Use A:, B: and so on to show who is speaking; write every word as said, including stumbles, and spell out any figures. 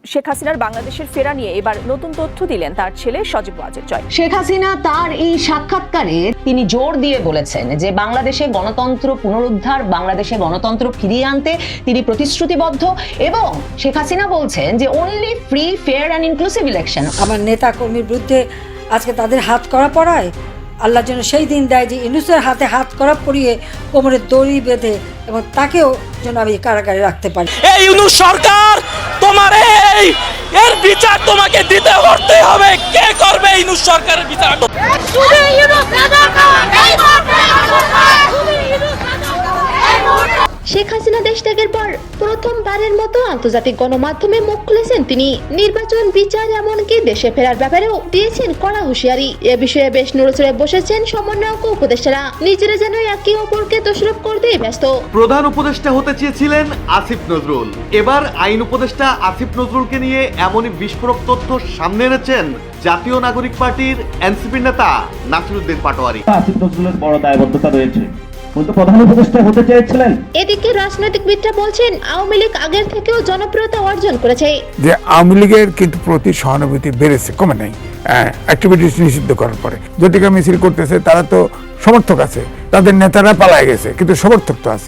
A: শেখ হাসিনার বাংলাদেশের ফেরা নিয়ে এবার নতুন তথ্য দিলেন তার ছেলে সজীব ওয়াজেদ জয়।
B: শেখ হাসিনা তার এই সাক্ষাৎকারে তিনি জোর দিয়ে বলেছেন যে বাংলাদেশে গণতন্ত্র পুনরুদ্ধার, বাংলাদেশে গণতন্ত্র ফিরিয়ে আনতে তিনি প্রতিশ্রুতিবদ্ধ এবং শেখ হাসিনা বলছেন যে only free, fair and inclusive election.
C: আমার নেতা কর্মীর বিরুদ্ধে আজকে তাদের হাত করা পড়ায় আল্লাহ যেন সেই দিন দেয় যে ইউনূসের হাতে হাত করা পরিয়ে কোমরে দড়ি বেঁধে এবং তাকেও যেন আমি কারাগারে রাখতে পারি।
D: এই ইউনূস সরকার, তোমার এই এর বিচার তোমাকে দিতে করতে হবে। কে করবে ইউনূস সরকারের বিচার?
E: শেখ হাসিনা দেশ ত্যাগের পর প্রথমবারের মতো আন্তর্জাতিক গণমাধ্যমে মুখ খুলেছেন তিনি। নির্বাচন, বিচার, এমনকি দেশে ফেরার ব্যাপারেও দিয়েছেন কড়া হুঁশিয়ারি। এ বিষয়ে বেশ নড়েচড়ে বসেছেন সমন্বয়ক ও উপদেষ্টারা। নিজেরা যেন একে অপরকে দোষারোপ করতেই ব্যস্ত।
F: প্রধান উপদেষ্টা হতে চেয়েছিলেন আসিফ নজরুল, এবার আইন উপদেষ্টা আসিফ নজরুলকে নিয়ে এমনই বিস্ফোরক তথ্য সামনে এনেছেন জাতীয় নাগরিক পার্টির এনসিপির নেতা নাসিরউদ্দিন পাটোয়ারি।
G: আসিফ নজরুলের বড় দায়বদ্ধতা রয়েছে, কিন্তু প্রধান উপদেষ্টা হতে চেয়েছিলেন।
E: এদিকে রাজনৈতিকবিদরা বলছেন আওয়ামী লীগ আগের থেকেও জনপ্রিয়তা অর্জন করেছে।
H: যে আওয়ামী লীগের কিন্তু প্রতি সহানুভূতি বেড়েছে, কমে নাই। অ্যাক্টিভিটিস নিষিদ্ধ করার পরে জটিকা মিছিল করতেছে, তারা তো সমর্থক আছে, তাদের নেতারা পালায় গেছে, কিন্তু সমর্থক তো আছে।